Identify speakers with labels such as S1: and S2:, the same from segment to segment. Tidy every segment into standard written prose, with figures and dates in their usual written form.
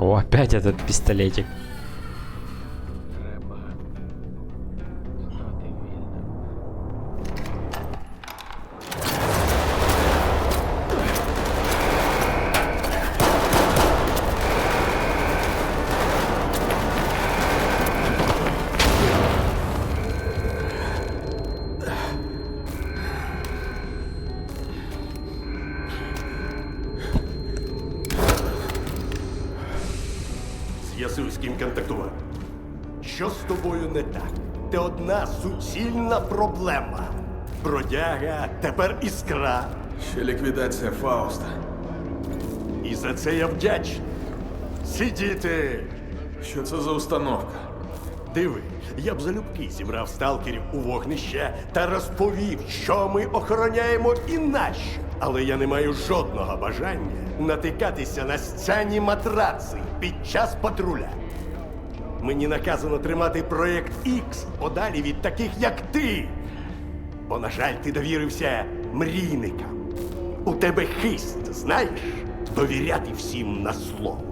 S1: О, опять этот пистолетик.
S2: З'ясуй, з ким контактував. Що з тобою не так? Ти одна суцільна проблема. Бродяга, тепер іскра.
S3: Ще ліквідація Фауста.
S2: І за це я вдячний. Сидіти!
S3: Що це за установка?
S2: Диви, я б залюбки зібрав сталкерів у вогнище та розповів, що ми охороняємо і нащо. Але я не маю жодного бажання натикатися на сцяні матраци під час патруля. Мені наказано тримати проєкт X подалі від таких, як ти. Бо, на жаль, ти довірився мрійникам. У тебе хист, знаєш, довіряти всім на слово.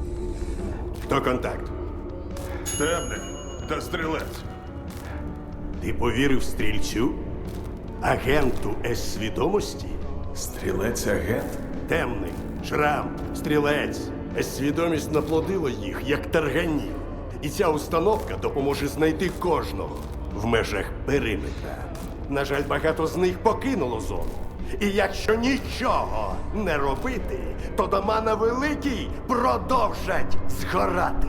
S2: Хто контакт?
S4: Темний та стрілець.
S2: Ти повірив стрільцю? Агенту С-свідомості?
S3: Стрілець-агент?
S2: Темний, шрам, стрілець. С-свідомість наплодила їх, як тарганів. І ця установка допоможе знайти кожного в межах периметра. На жаль, багато з них покинуло зону. І якщо нічого не робити, то дома на Великій продовжать згорати.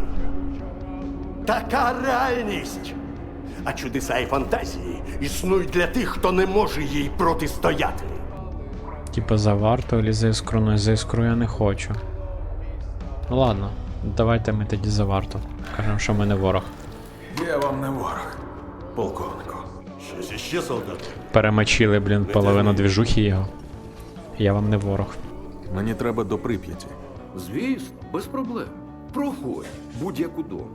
S2: Така реальність. А чудеса і фантазії існують для тих, хто не може їй протистояти.
S1: Типа за варту или за іскру, но за іскру я не хочу. Ну ладно, давайте ми тоді за варту. Кажемо, що ми не ворог.
S3: Я вам не ворог, полковнику.
S2: Щось іще, солдат?
S1: Перемочили, блін, половину двіжухи його. Я вам не ворог.
S3: Мені треба до Прип'яті.
S5: Звісно, без проблем. Проходь будь-яку дома.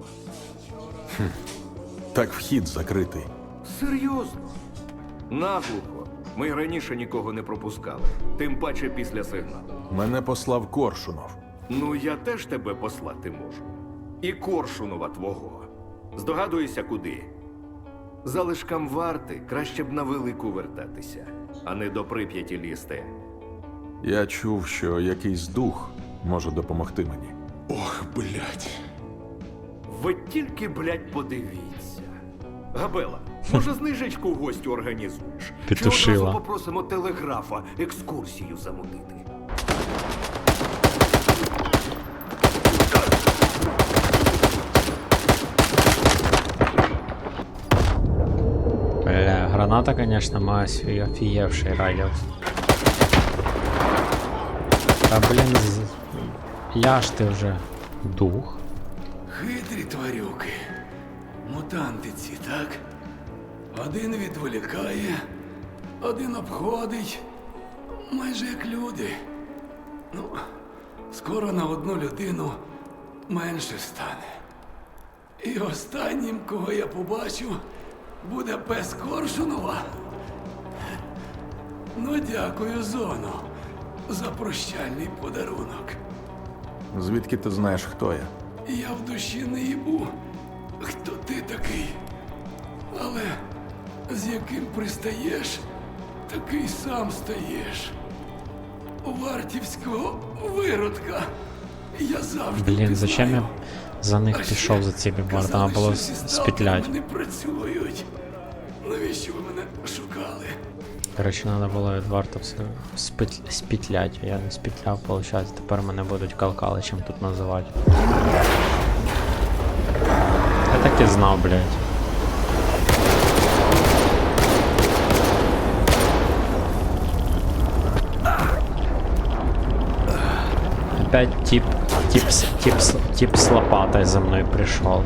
S3: Так вхід закритий.
S5: Серйозно? Наглухо. Ми раніше нікого не пропускали. Тим паче після сигналу.
S3: Мене послав Коршунов.
S5: Ну, я теж тебе послати можу. І Коршунова твого. Здогадуєшся, куди? Залишкам варти краще б на Велику вертатися, а не до Прип'яті лізти.
S3: Я чув, що якийсь дух може допомогти мені.
S4: Ох, блядь.
S5: Ви тільки, блядь, подивіться. Габела, може знижечку гостю організуєш?
S1: Петушила.
S5: Чи одразу попросимо телеграфа екскурсію замутити?
S1: Бля, граната, конечно, має свій офігевший радіус. Та блін, ляж ти вже, дух.
S6: Хитрі тварюки. Мутанти ці, так? Один відволікає, один обходить. Майже як люди. Ну, скоро на одну людину менше стане. І останнім, кого я побачу, буде пес Коршунова. Ну, дякую, Зоно, за прощальний подарунок.
S3: Звідки ти знаєш, хто я?
S6: Я в душі не їбу, хто ти такий. Але з яким пристаєш, такий сам стаєш. Вартівського виродка. Я завжди
S1: Блін, зачем я за них
S6: А
S1: пішов
S6: ще
S1: за цими
S6: казали,
S1: вартами, було
S6: що зі
S1: спітлять.
S6: сталкерами не працюють. Навіщо ви мене шукали?
S1: Коротше, треба було від варта все спітлять. Я не спітляв, виходить, тепер мене будуть калкаличем тут називати. Я так і знав, блядь. Опять тип с лопатой за мной пришел.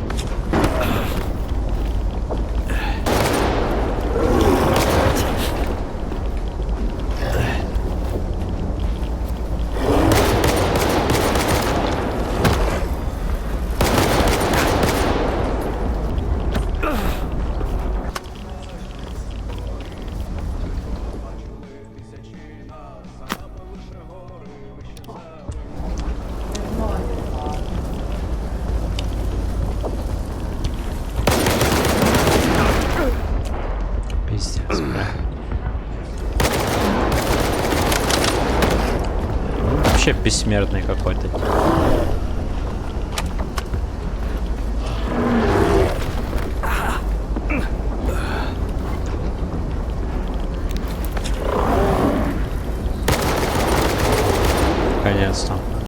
S1: вообще бессмертный какой-то. Наконец-то.